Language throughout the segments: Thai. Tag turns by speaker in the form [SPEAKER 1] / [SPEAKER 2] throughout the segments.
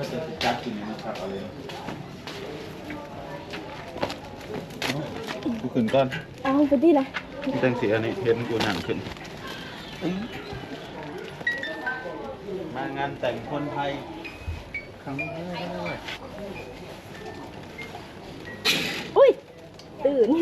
[SPEAKER 1] ก็จะจัดกินนะครับเอาเลยกูขึ้นก่อน
[SPEAKER 2] เอาไปดิล่ะ
[SPEAKER 1] แต่งสีอันนี้เห็นกูหนังขึ้นมางานแต่งคนไทยครั้งแรก
[SPEAKER 2] อุ้ยตื่น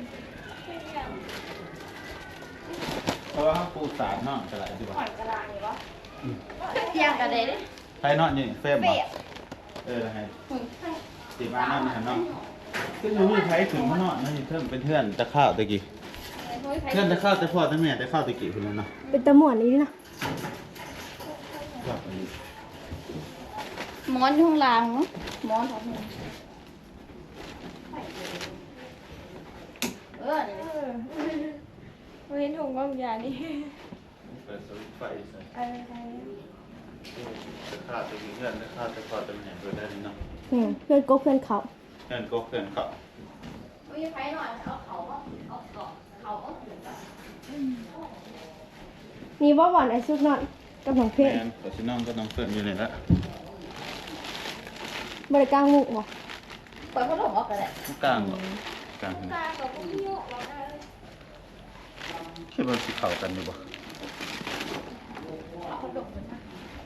[SPEAKER 1] เพราะว่าปูสามเนาะจะไหลดีกว่า
[SPEAKER 3] เที่ยงกันเลย
[SPEAKER 1] ใครเนาะนี่เฟรมบ่ให้ตีมานั่นนะเนาะซึ่งมันมีใครถึงมาเนาะนั่นเพื่อนเป็นเพื่อนตะข้าวตะกี้เพื่อนตะข้าวตะพ่อตะแม่ตะข้าวตะกี้คนนั้นเนาะ
[SPEAKER 2] เป็นตะหมวนนี้นะ
[SPEAKER 1] ครับอันนี้
[SPEAKER 3] หมอนอยู่ข้างล่างเนาะหมอนของมึง
[SPEAKER 2] เห็นถุงบางอย่างนี่
[SPEAKER 1] เปิดสวิตช์ไฟใส่
[SPEAKER 2] อะไร
[SPEAKER 1] ตะข้าวตะกี้เพื่อนตะข้าวตะพ่อตะแม่เพื่อนได้เนาะ
[SPEAKER 2] เพื่อนก็เพื่อนเขา
[SPEAKER 1] เพื่อนก็เพื่อนเขา
[SPEAKER 3] ไม่ใช่ไฟหน่อยเอาเขาเอาเกาะเขาเอาถึงแบบ
[SPEAKER 2] นี่ว่าหวานไอซุกนอนกับของเพ
[SPEAKER 1] แม่
[SPEAKER 2] ชร
[SPEAKER 1] แต่ชิน้องก็น้องเพื่อนอยู่นี่ละ
[SPEAKER 2] บริการมุกวะ
[SPEAKER 3] เปิดพัดลมออกกันแหละ
[SPEAKER 1] กลางบ่กลางคิดว่าสิเข้ากันอยู่บ่
[SPEAKER 3] เอาพัดลมนะ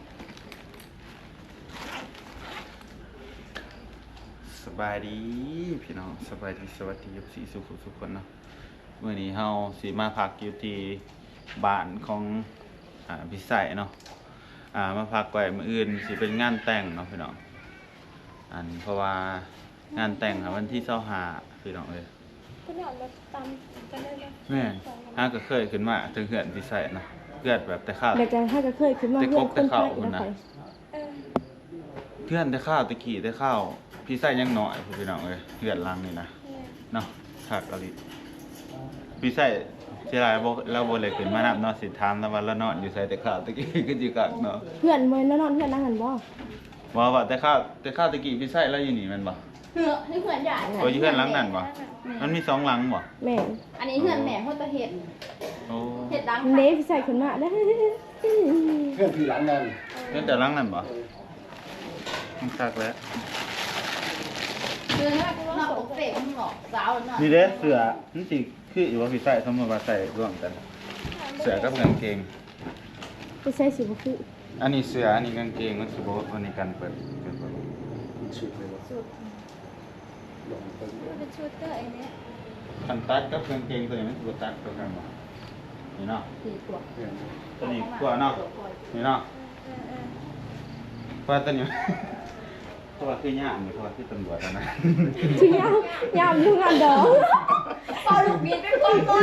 [SPEAKER 1] สบายดีพี่น้องสบายดีสวัสดีสีสุขทุกคนเนาะมื้อนี้เฮาสิมาพักอยู่ที่บ้านของพี่ใส่เนาะมาพักไว้มื้ออื่นสิเป็นงานแต่งเนาะพี่น้องเพราะว่างานแต่งวันที่25พี่น้องเอ้ย
[SPEAKER 2] ก็เนี่ยเราตามกันได้เลย
[SPEAKER 1] แม่นก็เคยขึ้นมาถึงเฮือนพี่ใส่นะเฮือนแบบแต่ข้าว
[SPEAKER 2] เดี๋ยวจะถ้าจะเคยขึ้นมาเพื่อนคนไทยนะ
[SPEAKER 1] เพื่อนแต่ข้าวตะกี้แต่ข้าวพี่ใส่ยังน้อยพี่น้องเอ้ยเฮือนหลังนี่นะเนาะคักอลิพี่ใส่สิหลายบ่เราบ่เลยขึ้นมานับเนาะสิถามแล้วว่าเรานอนอยู่ไสแต่ข้าวตะกี้ก็สิคักเนาะ
[SPEAKER 2] เพื่อนเมื่อนอนเพื่อนนั่งหันบ่
[SPEAKER 1] ว่าแต่ข้าวตะกี้พี่ใส่เราอยู่นี่แม่นบ่
[SPEAKER 3] เหือนี่เหือนใหญ่
[SPEAKER 1] โอ้ยอยู่เฮือนหลังนั้นบ่มันมี2หลังบ่
[SPEAKER 2] แม่
[SPEAKER 3] อันนี้เหือนแหม่พ่อตะเห็ด
[SPEAKER 1] โอ้
[SPEAKER 3] เห็ดดัง
[SPEAKER 2] เดฟใส่ขึ้นมาได้
[SPEAKER 4] เพื่อนผีหลังนั่น
[SPEAKER 1] เฮือนแต่หลังนั้นบ่มันคักแล้ว
[SPEAKER 3] เหือนนอกอกเตะมันหงอกสาวน่ะ
[SPEAKER 1] นี่เด้เสื้อมันสิคืออยู่ว่าพี่ใส่สมมุติว่าใส่ร่วมกันเสื้อกับกางเกง
[SPEAKER 2] ไปใส่สิบุคือ
[SPEAKER 1] อันนี้เสื้ออันนี้กางเกงมันสิบ่วันนี้กันเปิด
[SPEAKER 4] ชุดเลยวะลงไป
[SPEAKER 2] เป็นชุดเตอร์ไอ้เนี่ย
[SPEAKER 1] คันตัดกับกางเกงตัวนี้มันสิบ่ตัดตัวกันบ่นี่เนาะ
[SPEAKER 3] สี่ตัว
[SPEAKER 4] เพื่อน
[SPEAKER 1] ตัวนี้กว่าเนาะนี่เนาะเพราะว่าตัวนี้ เพราะว่าคือย่ามนี่เพราะว่าคือตำรวจอะนะ
[SPEAKER 2] ชิยามยามยุ่งงานเด้อ
[SPEAKER 3] พอลูกบินเป็นคนต้น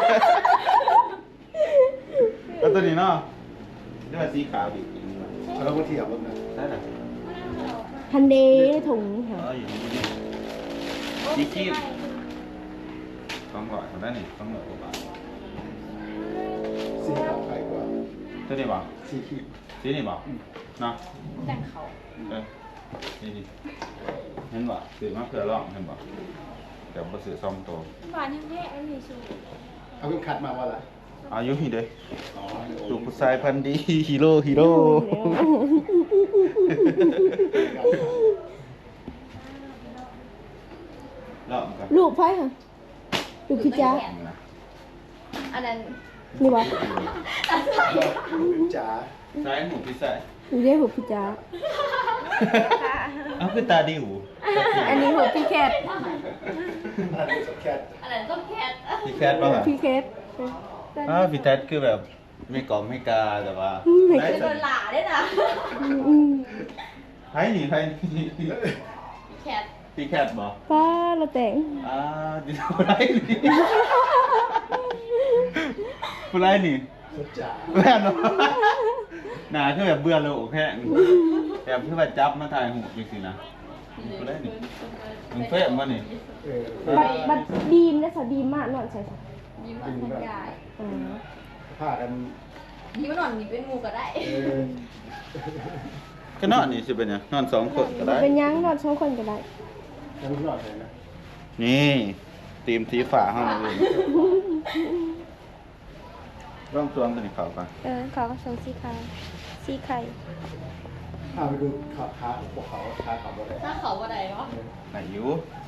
[SPEAKER 1] แล้วตัวนี้เนาะนี่ว่าสีขาวดิ
[SPEAKER 4] เราก็เที่ยวรถนะ
[SPEAKER 1] ได้ล่ะ
[SPEAKER 2] ฮันเดถุงเหรอ
[SPEAKER 1] อยู่นี่นี่คีบ200คนได้นี่200กว่าบาท
[SPEAKER 4] สีขาวใครกว่า
[SPEAKER 1] ตัวนี้บ่
[SPEAKER 4] สีขีด
[SPEAKER 1] สีนี่บ่เนาะ
[SPEAKER 3] แต่งเขา
[SPEAKER 1] นี่เห็นบ่ซื้อมาเพื่อลองเห็นบ่แต่บ่ซื้อซ่อมตัว
[SPEAKER 2] หวานแห้งๆมันมีชู
[SPEAKER 4] เอาเพิ่งคัดมาว่าอะไร
[SPEAKER 1] อายุนี่เด้ลูกผู้ชายพันธุ์ดีฮีโร่ฮีโร่ ลองกัน
[SPEAKER 2] ลูกไพ่ค่ะลูกพี่จ้า
[SPEAKER 3] อันนั้น
[SPEAKER 2] นี่วะ
[SPEAKER 4] จ๋า
[SPEAKER 1] ซ้ายหมูพี่ใส่
[SPEAKER 2] นี่เรียกหัวพี่จ้า
[SPEAKER 1] เอาคือตาดิว
[SPEAKER 2] อันนี้หัวพี่แคท
[SPEAKER 4] อันนี้สแคท
[SPEAKER 3] อันนั้นก็แคท
[SPEAKER 1] พี่แคทป่ะ
[SPEAKER 2] พี่แคท
[SPEAKER 1] พี่แคทคือแบบไม่กล่อมไม่กาแต่ว่า
[SPEAKER 3] จะโดนหล่าด้วยนะ
[SPEAKER 1] ใครหนีใคร
[SPEAKER 3] แคท
[SPEAKER 1] พี่แคทบอก
[SPEAKER 2] ป้าเราแต่ง
[SPEAKER 1] ดิวไรนี่ผู้ไรนี่
[SPEAKER 4] สุดจ๋า
[SPEAKER 1] แม่เนาะหนาคือแบบเบื่อโลกแค่แบบคือแบบจับมาถ่ายหูจริงๆนะผู้ไรนี่มึงเฟ้มมานี่
[SPEAKER 2] บัดดีมนะสาวดีมมากนอนใส่ค่ะ
[SPEAKER 3] ยิ้มหวานคนใหญ่
[SPEAKER 4] ผ้ากัน
[SPEAKER 3] ยิ้มหน่อนนี่เป็นงูก็ได้
[SPEAKER 1] ก็นอนนี่สิเป็นยังนอน2 คนก็ได้
[SPEAKER 2] เป็นยังนอน2 คนก็ได้
[SPEAKER 4] ยังไม่รอดเลยนะ
[SPEAKER 1] นี่ตีมสีฝาห้องเลยร่องตัวตัวนี้เขาปะ
[SPEAKER 2] ขอส่งสีขาวสีไข่
[SPEAKER 4] ถ้าไปดูขาพวกเขาขาขับรถได้
[SPEAKER 3] ถ้าเขาบ่ได้เนาะ
[SPEAKER 1] ไหนอยู่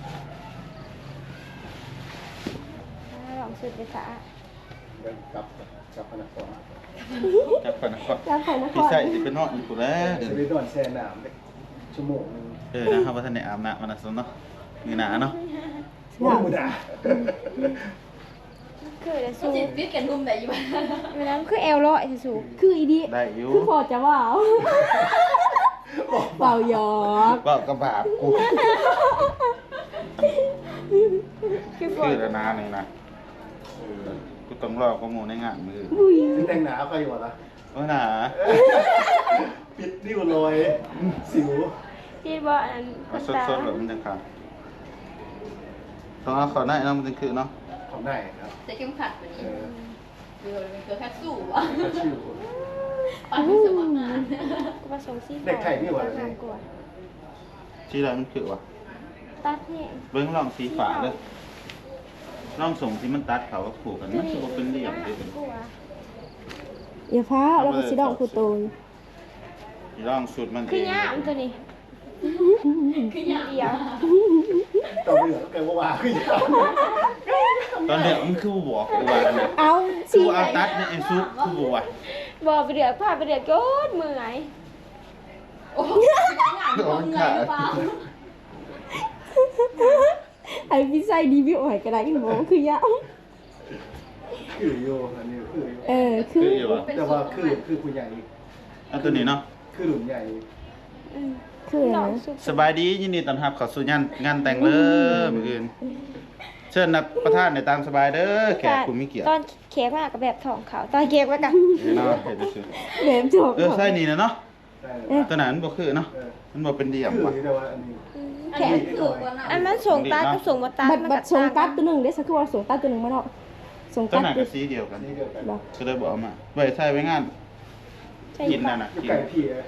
[SPEAKER 2] ลองสุดเลยค่ะ
[SPEAKER 4] เดินกับพนักงาน
[SPEAKER 1] จับก่อนนะก่อน
[SPEAKER 2] แล้วใครนะ
[SPEAKER 1] พี่ใส่สิเป็นนอนอยู่กูแล้วเดี๋ยว
[SPEAKER 4] จะไปนอนแช่น้ำได้ชั่วโมงนึง
[SPEAKER 1] นะครับว่าท่านในอาบน้ำมันนะสนเนาะมีหนาเนาะ
[SPEAKER 4] โอ้ยด่า
[SPEAKER 2] คือแต่
[SPEAKER 3] ก็
[SPEAKER 2] สู
[SPEAKER 3] สิฟิตกันรุมได้อยู่บ้าน
[SPEAKER 2] เวลาคือแอลร้อยสูคืออีดี
[SPEAKER 1] ได้อยู่
[SPEAKER 2] คือพอจะว่าเบาหยอก
[SPEAKER 1] ก็กระบาดกู
[SPEAKER 2] คือพอ
[SPEAKER 1] คือระนาหนึ่งนะกูต้องรอข้อมูลในงานมือ
[SPEAKER 2] อุ้ย
[SPEAKER 4] แต่งหนาใครอยู่วะล่ะ
[SPEAKER 1] ว่าหนา
[SPEAKER 4] ปิดริ้วรอยสิว
[SPEAKER 2] พี่บอกอัน
[SPEAKER 1] เอาสดๆแบบมันจะขาดต้องเอาเขาได้เนาะมันจะคือเนาะ
[SPEAKER 4] ของได้ครับ
[SPEAKER 3] จะเข้มขัดกว่านี้
[SPEAKER 4] เออ
[SPEAKER 3] คือเป็นเกลือแค่สู้อ่ะ
[SPEAKER 4] ก็ชื่อ
[SPEAKER 3] ปันที่สมัครงาน
[SPEAKER 2] กูผสมซี่
[SPEAKER 4] เด็กไทยนี่หว่า
[SPEAKER 2] งามกว่า
[SPEAKER 1] ที่อะไรมันคือวะ
[SPEAKER 2] ตัดเนี่ย
[SPEAKER 1] เบิ้งลองสีฝาเลยลองส่งที่มันตัดเขาก็ผูกกันมันคือว่าเป็นเหลี่ยมด้วยกัน
[SPEAKER 2] อย่าฟ้าเราก็สิดอกคูโตน
[SPEAKER 1] ที่ลองสูตรมันเอง
[SPEAKER 2] คือย่ามตัวนี้
[SPEAKER 3] คืออย่าง
[SPEAKER 2] เดียว
[SPEAKER 4] ต่อไปเหลือก็ว่าขึ้นยาว
[SPEAKER 1] ตอนเด็กมันคือบอกกูว่านะ
[SPEAKER 2] เอา
[SPEAKER 1] กู
[SPEAKER 2] สี
[SPEAKER 1] เอาตัดเนี่ยไอ้ซุกกูบอกว่า
[SPEAKER 2] บอกไปเดือดผ้าไปเดือดโยนมือไง
[SPEAKER 3] โอ้โหงานของเงินหรือเปล่า
[SPEAKER 2] ไอ้พี่ใส่ดีวิวหอยกระไรหมอคือย่าม
[SPEAKER 4] คืออยู่อันนี้คืออยู่
[SPEAKER 2] คือ
[SPEAKER 1] คืออยู่วะ
[SPEAKER 4] แต่ว่าคือผู้ใหญ่
[SPEAKER 1] เอาตัวนี้เนาะ
[SPEAKER 4] คือหลุมใหญ่
[SPEAKER 2] คืออะไร
[SPEAKER 1] สบายดียินดีต้อนรับเข้าสู่งานแต่งเลยมื้ออื่นเชิญนักประธานในตามสบายเด้อแขกคุณไม่เกี่ยว
[SPEAKER 2] ตอนเค้กมากกับแบบทองขาวตอนเค้กแล้วกัน
[SPEAKER 1] เนาะเฮ็ดซื่อ
[SPEAKER 2] แบบทอง
[SPEAKER 1] ใส่นี่นะเนาะ
[SPEAKER 4] ใช่เลย
[SPEAKER 1] ตัวนั้นบ่คือเนาะมันบ่เป็นเดี่ยม
[SPEAKER 4] คือ
[SPEAKER 1] ว่ะ
[SPEAKER 4] แต่ว่าอันนี้
[SPEAKER 3] อันนี้คือกว่าน่ะ
[SPEAKER 2] อันมันส่งตัดกับส่งมาตัด
[SPEAKER 5] บัดส่งตัดตัวหนึ่งได้สักคือว่าส่งตัดตัวหนึ่งมาเนาะส่ง
[SPEAKER 1] ตัว
[SPEAKER 5] ตัด
[SPEAKER 1] นั้น
[SPEAKER 5] ตั
[SPEAKER 1] ก็
[SPEAKER 5] ว
[SPEAKER 1] สีเดียวกัน
[SPEAKER 4] นี่เดียวกัน
[SPEAKER 5] บอก
[SPEAKER 1] ก็เลยบอกเอามาไว้ใส่ไว้งาน
[SPEAKER 5] ใช่
[SPEAKER 1] กินนั่นน่ะ
[SPEAKER 4] อยู่
[SPEAKER 1] กิน
[SPEAKER 4] ไก่พี่เลย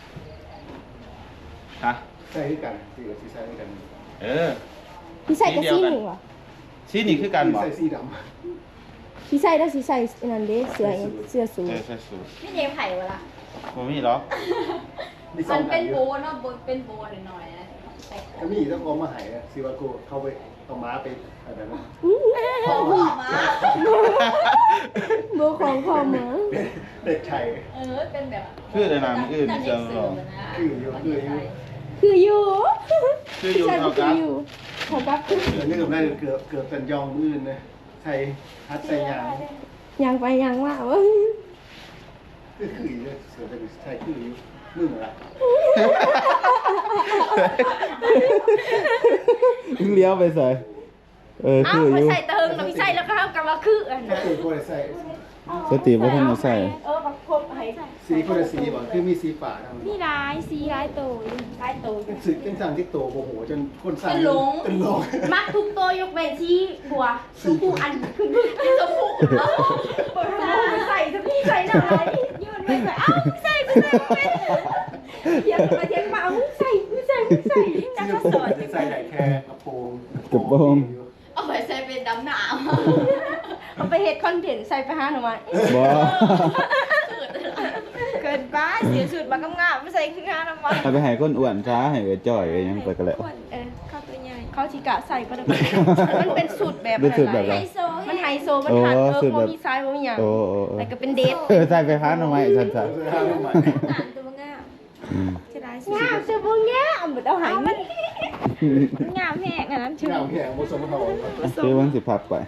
[SPEAKER 1] ฮะ
[SPEAKER 4] ใส่ด้วยกันสีกับสีใส่ด้วยกัน
[SPEAKER 1] เออ
[SPEAKER 5] พี่ใส่กับสีหนึ่งวะ
[SPEAKER 1] สีนี่คือกันบ่
[SPEAKER 4] ใส่สีด
[SPEAKER 5] พี่ใส่แล้วสีใส่อันนั้นเด้เสื้อเสื้อสูท
[SPEAKER 1] ใส่สูท
[SPEAKER 3] พี่เจมไผ่เวลา
[SPEAKER 1] บ่มีหรอก
[SPEAKER 4] ำมีส
[SPEAKER 3] มั
[SPEAKER 4] อง
[SPEAKER 3] น
[SPEAKER 4] อั
[SPEAKER 3] เป็น
[SPEAKER 4] นอ
[SPEAKER 3] โบ
[SPEAKER 4] ยู่
[SPEAKER 3] เนาะเป็นโบหน่อยๆนะใส่
[SPEAKER 4] ก็มีต้องเอามาหายนะซีวาโกเข้าไปเอาม้าไปอะไรนะ
[SPEAKER 3] ของพ่อมา
[SPEAKER 5] โบของพ่อหมา
[SPEAKER 4] เด็กไทย
[SPEAKER 3] เป็นแบบ
[SPEAKER 1] คือในนามอื่นจะลอง
[SPEAKER 5] คืออยู่
[SPEAKER 1] คืออยู่
[SPEAKER 5] ใช่
[SPEAKER 1] เท่า
[SPEAKER 5] คื
[SPEAKER 1] กั
[SPEAKER 5] อบ อยู่ของกับคือ
[SPEAKER 4] เกือบนี่กับได้เกือบเป็นยองอื่นนะใส่ฮัดใส่ยาง
[SPEAKER 5] ยังไปยังว่าวะ
[SPEAKER 4] คืออยู่เสือเป็นใส่คืออยู่มึงละ
[SPEAKER 1] เลี้ยวไปใส่
[SPEAKER 2] เอ้า
[SPEAKER 1] คืออ
[SPEAKER 2] ไป
[SPEAKER 1] ยู่
[SPEAKER 2] ใส่เติงแล้วไปใส่แล้วก็ทำกันว่าคืออัน
[SPEAKER 4] ก็คือคนใส่
[SPEAKER 1] สติบ่ทันได้ใส่
[SPEAKER 2] บักพบให้
[SPEAKER 4] สีคนละสีบอกคือมีสีป่าทำ
[SPEAKER 2] นี่ร้ายสีร้ายโตร้ายโต
[SPEAKER 4] เป็นสึกเป็นสั่งที่โตโอ้โหจนคนสั่ง
[SPEAKER 3] เป็นหลง
[SPEAKER 4] เป็นหลง
[SPEAKER 2] มักทุกตัวยกเว้นที่บัวชมพูอันคือ
[SPEAKER 3] ที่สมุกเนาะ
[SPEAKER 2] เปิดทางใส่จะพี่ใส่หน่อยยืนไปใส่เอ้าใส่ไปใส่ไปเทียงมาเทียงมาเอาใส่จังก็สอน
[SPEAKER 4] จะใส่ไหนแค่กระโปรง
[SPEAKER 3] เอาไปใส่เป็นดำหนาว
[SPEAKER 2] เอาไปเฮ็ดคอนเทนต์ใส่ไปหาหน่อไม้
[SPEAKER 1] บ่
[SPEAKER 2] เกินไปเสียสุดมากำงามไม่ใส่ขึ้นงานหน่อไม้
[SPEAKER 1] ถ้าไปให้คนอ้วนช้าให้ไปจ่อยก็ยังไปก็แล้ว
[SPEAKER 2] เข้าตัวใหญ่เขาชิกะใส่ประดับมันเป็นสูตรแบบ
[SPEAKER 1] เป็นสูตรแบบ
[SPEAKER 2] ไฮ
[SPEAKER 1] ไร
[SPEAKER 2] โซมันไฮโซมันขาดโบมีซ้ายโบมีอย่าง
[SPEAKER 1] โอ้
[SPEAKER 2] แต่ก็เป็นเดท
[SPEAKER 1] ใส่ไปพันเอาไว้ซั่น
[SPEAKER 4] จะห้ามทำไม
[SPEAKER 2] อ่านตัวงามจะได้สิงามเสื้อโบงามเหมือนเอาหายมันงามแห้งอันนั้นชื่อ
[SPEAKER 4] เงาแข็งผสมทอง
[SPEAKER 1] ๆคือมันสิพักไป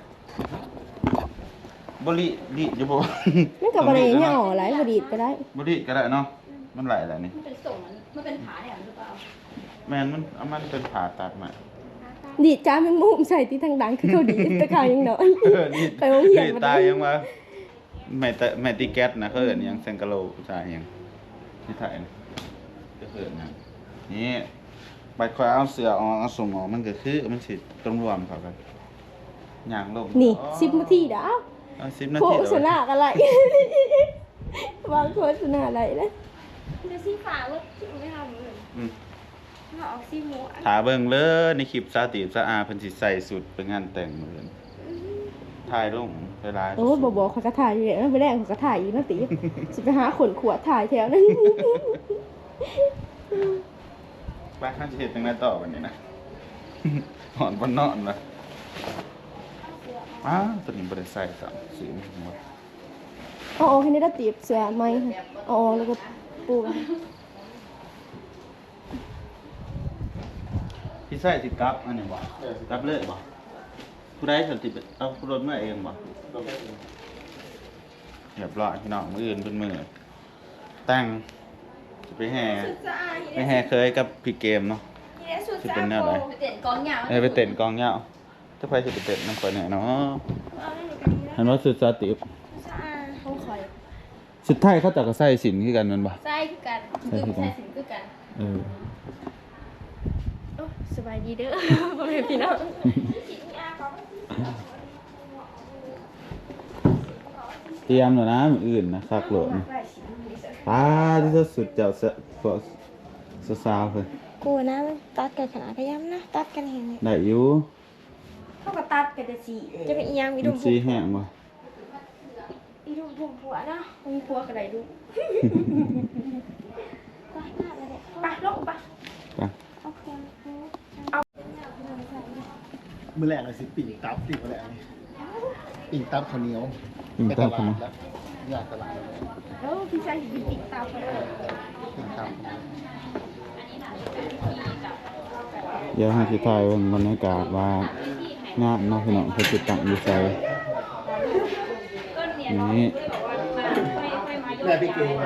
[SPEAKER 1] บ่ลิดิอยู่บ่
[SPEAKER 5] นั่นกับบริเนี่ยอ๋อไรบดีก็ได้
[SPEAKER 1] บ่ลิก็ได้เนาะมันไหลแล้วนี่
[SPEAKER 3] มันเป็นส่งมันเป็นผาเนี่ยหรือเปล่า
[SPEAKER 1] แม่นมันเอามันเป็นผ่าตัดมา
[SPEAKER 5] ดีดจ้าแมงมุมใส่ที่ทางดังคือเขาดีตะขาวยังน้อย
[SPEAKER 1] นี่
[SPEAKER 5] ไปโรงเรียน
[SPEAKER 1] ตายยังว่าแม่ติแก๊สนะเขาเอิ้นหยังแซงกะโลใช่หยังที่ถ่ายนะก็เอิ้นหยังนี่บัดคอยเอาเสือออกเอาส่งออกมันก็คือมันสิต้องรวมเข้ากันย่างลง
[SPEAKER 5] นี่10 นาทีดาว
[SPEAKER 1] เอา10 นา
[SPEAKER 5] โฆ
[SPEAKER 1] ที
[SPEAKER 5] ษณาอะไรวางโฆษณาอะไรนะ
[SPEAKER 2] จะสีฟ้าว่าชื่อไม่ทำเลย
[SPEAKER 1] อืม
[SPEAKER 2] เขาเอาสีม่วง
[SPEAKER 1] ถาเบิ่งเลยในคลิปสาติสะอาเพิ่นสิใส่สุดไปงานแต่งมื้อนี้ถ่ายลงเวลา
[SPEAKER 5] โอ้ยบอกขอยกระถ่ายอยู่เลยไปแรกขอยกระถ่ายอีกนะติจะไปหาขนขวดถ่ายแถวนั้น
[SPEAKER 1] ไปข้าจะเห็นยังไงต่อวันนี้นะ หอนบนนอนนะอ้าวตัวนี้บริใส่สามสีหมด
[SPEAKER 5] เอาออกให้ได้ตีบเสือไหมเอาออกแล้วก็ปูกัน
[SPEAKER 1] พี่ใส่สิกลับอันนี้บ่กลับเลยบ่ผู้ใดสติเอาผู้รถเมื่อเองบ่เรียบร้อยพี่น้องมืออื่นเป็นมือตั้งจะไปแห่เคยกับพี่เกมเนาะจะเป็นแนวไหน
[SPEAKER 3] ไปเต้นกองยาว
[SPEAKER 1] ไปเต้นกองเหงาจะไปจะไปเต้นน้ำฝนไหนเนาะเห็นว่าสุดสติ
[SPEAKER 5] เขาคอย
[SPEAKER 1] สุดท้ายเขาจะก็ใส่สินคือกันนั่นบ่
[SPEAKER 3] ใส่คือกันคือใส่สินคือกัน
[SPEAKER 1] เออ
[SPEAKER 5] สบายดีเด้อพ่อแม่พี่น้อง
[SPEAKER 1] เตรียมแล้วนะมืออื่นนะคักโหลดป้าที่สุดเจ้าพวกสาวๆเพิ่น
[SPEAKER 5] กูนะตัดกันขนาดขย้ำนะตัดกันเห็นไหม
[SPEAKER 1] ได้อยู่
[SPEAKER 2] เขาก็ตัดกันแต่สี
[SPEAKER 5] จะเป็นอีหยังมี
[SPEAKER 1] มั
[SPEAKER 5] ดุ
[SPEAKER 1] น
[SPEAKER 5] ม
[SPEAKER 1] สีแห้งบ่
[SPEAKER 2] อีดูผมผัวนะมีผัวกับไรดูไปลงไป
[SPEAKER 1] ไป
[SPEAKER 4] มื้อแรกเลยสิปิ่งตับสิมื้อแรกนี่ปิ่งตับข้าวเหนียว
[SPEAKER 1] ปิ่ง
[SPEAKER 4] ไป
[SPEAKER 1] ตั
[SPEAKER 4] ต
[SPEAKER 1] บ
[SPEAKER 4] ลา
[SPEAKER 1] ข้าวเหนี
[SPEAKER 4] ด
[SPEAKER 1] ยว
[SPEAKER 4] แล้วอยากตลาดแล้ว
[SPEAKER 2] แล้วพี่ชายอยู่ติดตามไป
[SPEAKER 4] ปิ่งตับ
[SPEAKER 1] เดี๋ยวให้พี่ทายเบิ่งบรรยากาศว่างามเนาะพี่น้องเพิ่นสิตั้งอยู่ไสนี่
[SPEAKER 4] แม่พี่เกม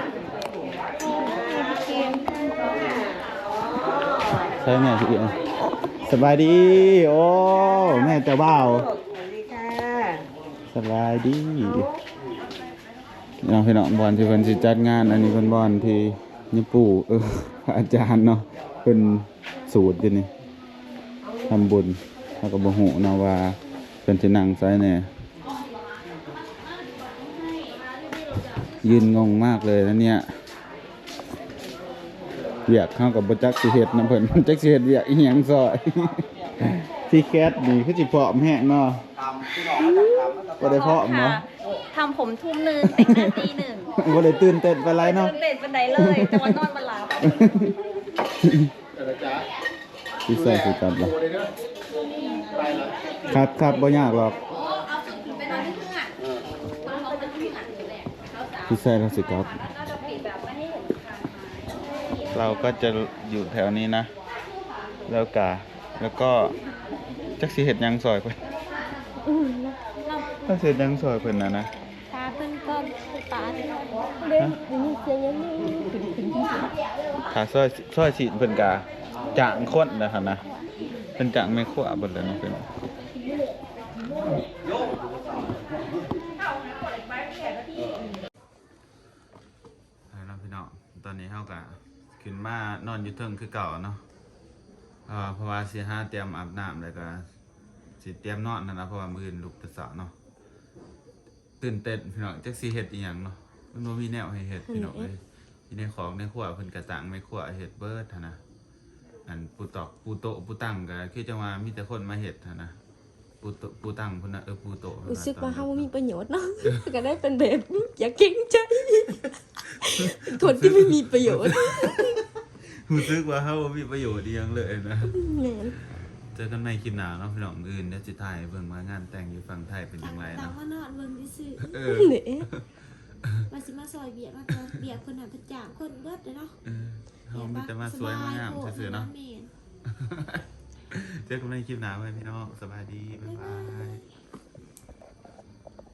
[SPEAKER 1] ใช่แม่พี่เอ๋สบายดีโอ้แม่เจ้าบ่าวสบายดีน้องพี่น้องบอลที่เพิ่นสิจัดงานอันนี้เพิ่นบอลที่ญี่ปุ่นพระอาจารย์เนาะเพิ่นสูตรอยู่นี่ทำบุญแล้วก็บ่ฮู้เนาะว่าเพิ่นสินั่งไสแน่ยืนงงมากเลยนะเนี่ยเวียกเข้ากับบ่จักสิเฮ็ดนำเพิ่น จักสิเฮ็ดเวียกอีหยังซอย ที่แคทนี่คือสิพร้อมแฮงเนาะบ่ได้พร้อมเนาะ
[SPEAKER 3] ทำผมทุ่มนึงแต่งหน้าตีหนึ่ง
[SPEAKER 1] บ่ได้ตื่นเต้นปานไรเนาะ
[SPEAKER 3] ตื่นเต้นเป็นไดเลยแต่ว่านอนมาหลับ
[SPEAKER 4] อะไรจ๊ะ
[SPEAKER 1] พี่ใส่สิกลับล่ะ
[SPEAKER 4] โอ้เลยเด้อไปละ
[SPEAKER 1] ครับบ่ยากหรอก
[SPEAKER 3] เอาสุดไปนอนที่เพื่อนเขาจะที่เพื่อนอยู่แหละเขาสาว
[SPEAKER 1] พี่ใส่แล้วสิกลับ
[SPEAKER 3] น่าจะปิดแบบไม่ให้เห็นทาง
[SPEAKER 1] เราก็จะอยู่แถวนี้นะ แล้วก็จักสิเฮ็ดหยังซอยเพิ่นถ้าสิเฮ็ดหยังซอยเพิ่นน่ะนะ
[SPEAKER 5] ตาเพิ่นก็ตาเล่นมีเสียงยังนี่
[SPEAKER 1] ถ้าซอยสิเพิ่นก็จ้างคนนะครับนะเพิ่นจ้างแม่ครัวเบิดแล้วเนาะเพิ่นพี่น้องตอนนี้เฮาก็ขึ้นมานอนอยู่เทิงคือเก่าเนาะเพราะว่าสิหาเตรียมอาบน้ำแล้วก็สิเตรียมนอนนั่นนะเพราะว่ามื้ออื่นลุกแต่เช้าเนาะตื่นเต้นพี่น้องจักสิเฮ็ดอีหยังเนาะมันบ่มีแนวให้เฮ็ดพี่น้องเอ้ยอยู่ในของในครัวเพิ่นก็ตั้งในครัวเฮ็ดเบิดหันนะอันปูตอกปูโต๊ะปูตั้งก็คือจังว่ามีแต่คนมาเฮ็ดหันนะปูตั้งพุ่นน่ะปูโต๊ะ
[SPEAKER 5] รู้สึกว่าเฮาบ่มีประโยชน์เนาะก็ได้เป็นแบบอย่าเก่งใจเป็นคนที่ไม่มีประโยชน์
[SPEAKER 1] รู้สึกว่าเฮาบ่มีประโยชน์อีหยังเลยนะ
[SPEAKER 5] แม่น
[SPEAKER 1] เจอกันในคลิปหน้าเนาะพี่น้องอื่นเดี๋ยวสิถ่ายเบิ่งว่างานแต่งอยู่ฝั่งไทยเป็นจังได
[SPEAKER 6] ตาม
[SPEAKER 1] เนาะ
[SPEAKER 6] ว่านอนเบิ่งซื่อ
[SPEAKER 1] เออ
[SPEAKER 5] เด้
[SPEAKER 6] มาสิมาซอยเบียดมาก็เบียดคนหันประจางคนเบิดเลยเนาะ
[SPEAKER 1] เฮามีแต่มาสวยมางามซื่อๆเนาะ
[SPEAKER 6] แม่น
[SPEAKER 1] เจอกันในคลิปหน้าไว้พี่น้องสบายดีบ๊ายบาย